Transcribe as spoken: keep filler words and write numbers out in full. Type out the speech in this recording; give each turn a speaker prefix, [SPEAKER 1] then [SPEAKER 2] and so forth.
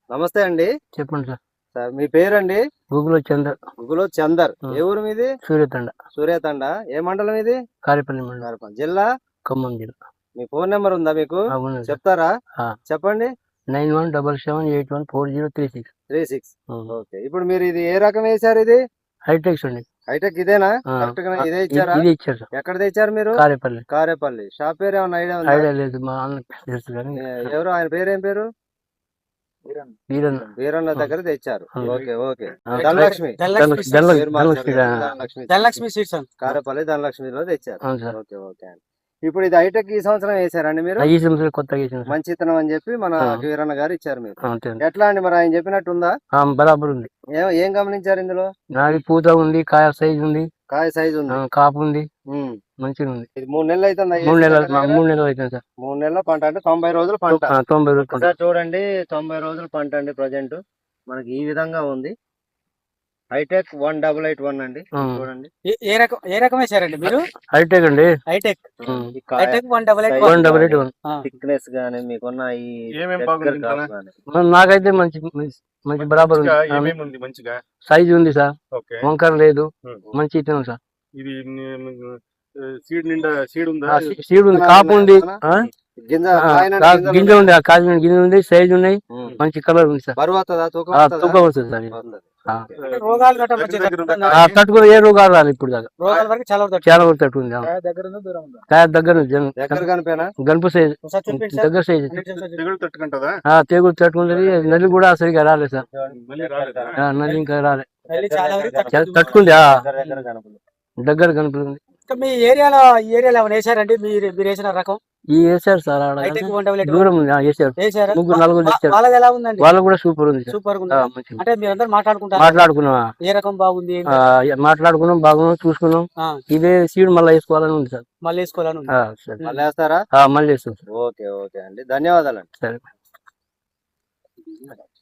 [SPEAKER 1] నమస్తే అండి.
[SPEAKER 2] చెప్పండి సార్.
[SPEAKER 1] సార్ మీ పేరండి?
[SPEAKER 2] గూగుల్ చందర్.
[SPEAKER 1] గుగులో చందర్. ఏ ఊరు మీది?
[SPEAKER 2] సూర్యతండ.
[SPEAKER 1] సూర్యతండ. ఏ మండలం ఇది?
[SPEAKER 2] కారేపల్లి మండలం.
[SPEAKER 1] కారేపల్లి. జిల్లా?
[SPEAKER 2] ఖమ్మం జిల్లా.
[SPEAKER 1] మీ ఫోన్ నెంబర్ ఉందా మీకు?
[SPEAKER 2] అవును సార్.
[SPEAKER 1] చెప్తారా? చెప్పండి.
[SPEAKER 2] Nine one double seven eight one four zero three six
[SPEAKER 1] three six okay. ఇప్పుడు మీరు ఇది ఏ రకం వేసారు? ఇది
[SPEAKER 2] హైటెక్స్ అండి.
[SPEAKER 1] హైటెక్ ఇదేనా? కరెక్ట్ గా ఇదే ఇచ్చారా?
[SPEAKER 2] ఇది ఇచ్చారు సార్.
[SPEAKER 1] ఎక్కడ తెచ్చారు మీరు?
[SPEAKER 2] కారేపల్లి.
[SPEAKER 1] కారేపల్లి. షాప్ పేరు ఏమన్నా ఐడియా ఉందా?
[SPEAKER 2] ఐడియా లేదు, మా అన్న తెలుసు కానీ.
[SPEAKER 1] ఎవరు ఆయన పేరు? ఏం పేరు?
[SPEAKER 2] వీరన్న.
[SPEAKER 1] వీరన్న దగ్గర తెచ్చారు. Okay okay.
[SPEAKER 2] Dhanalakshmi.
[SPEAKER 3] Dhanalakshmi seeds
[SPEAKER 1] Karepalli ధనలక్ష్మిలో తెచ్చారు.
[SPEAKER 2] అవును సార్.
[SPEAKER 1] ఓకే ఓకే అండి. ఇప్పుడు ఇది హైటెక్ ఈ సంవత్సరం వేసారండి మీరు?
[SPEAKER 2] ఈ సంవత్సరం కొత్తగా వేసాను సార్.
[SPEAKER 1] మంచి ఇత్తనం అని చెప్పి మన వీరన్న గారు ఇచ్చారు మీరు.
[SPEAKER 2] అంతే.
[SPEAKER 1] ఎట్లా అండి మరి ఆయన చెప్పినట్టు ఉందా?
[SPEAKER 2] బరాబర్ ఉంది.
[SPEAKER 1] ఏం ఏం గమనించారు ఇందులో?
[SPEAKER 2] నాది పూత ఉంది, కాయ సైజ్ ఉంది,
[SPEAKER 1] కాయ సైజ్ ఉంది,
[SPEAKER 2] కాపు ఉంది, మంచిగా ఉంది.
[SPEAKER 1] ఇది మూడు నెలలు అయితే
[SPEAKER 2] మూడు నెలలు మూడు నెలలు అవుతుంది సార్.
[SPEAKER 1] మూడు నెలల పంట అంటే తొంభై రోజులు పంట.
[SPEAKER 2] తొంభై రోజులు
[SPEAKER 1] సార్ చూడండి, తొంభై రోజులు పంట అండి. ప్రజెంట్ మనకి ఈ విధంగా ఉంది. Hitech one double eight one అండి. చూడండి
[SPEAKER 3] ఏ రకం ఏ రకం వేసారండి మీరు?
[SPEAKER 2] హైటెక్ అండి.
[SPEAKER 3] Hitech hitech one double eight
[SPEAKER 2] one double eight one.
[SPEAKER 1] Thickness గానీ మీకున్న ఈ
[SPEAKER 2] నాకైతే మంచి మంచి బరాబర్ ఉంది.
[SPEAKER 4] మంచిగా
[SPEAKER 2] సైజ్ ఉంది సార్, వంకర లేదు, మంచి ఇత్తనం సార్.
[SPEAKER 4] ఇది సీడ్ నిండా సీడ్ ఉందా?
[SPEAKER 2] సీడ్ ఉంది, కాపు ఉంది,
[SPEAKER 1] గింజ
[SPEAKER 2] గింజ ఉంది, కాసిన గింజ ఉంది, సైజ్ ఉన్నాయి, మంచి కలర్ ఉంది సార్. తూకం వస్తుంది సార్. తట్టుకుని ఏ రోగాలు రాదు ఇప్పుడు దాకా. చాలా వరకు తట్టుకుంది. కాయ దగ్గర గనుపు సైజ్, దగ్గర సైజ్ తెగులు తట్టుకుంటుంది. నల్లి కూడా సరిగా రాలేదు సార్. నల్లి ఇంకా రాలేదు, తట్టుకుంది. దగ్గర కనుపుతుంది.
[SPEAKER 3] మీ ఏరియాలో ఈ ఏరియాలో ఏమైనా వేసారండి? మీరు మీరు వేసిన రకం
[SPEAKER 2] ఈ వేసారు సార్. దూరం వేసారు, ముగ్గురు నలుగురు వేసారు.
[SPEAKER 3] వాళ్ళది ఎలా ఉందండి?
[SPEAKER 2] వాళ్ళు కూడా సూపర్ ఉంది,
[SPEAKER 3] సూపర్ ఉంది. అంటే మీరందరూ మాట్లాడుకుంటారు?
[SPEAKER 2] మాట్లాడుకున్నాం.
[SPEAKER 3] ఏ రకం బాగుంది
[SPEAKER 2] మాట్లాడుకున్నాం, బాగున్నాం, చూసుకున్నాం. ఇదే సీడ్ మళ్ళీ వేసుకోవాలని ఉంది సార్.
[SPEAKER 3] మళ్ళీ వేసుకోవాలని ఉంది.
[SPEAKER 1] మళ్ళీ వేస్తారా?
[SPEAKER 2] మళ్ళీ వేస్తాం.
[SPEAKER 1] ఓకే ఓకే అండి, ధన్యవాదాలు అండి.
[SPEAKER 2] సరే.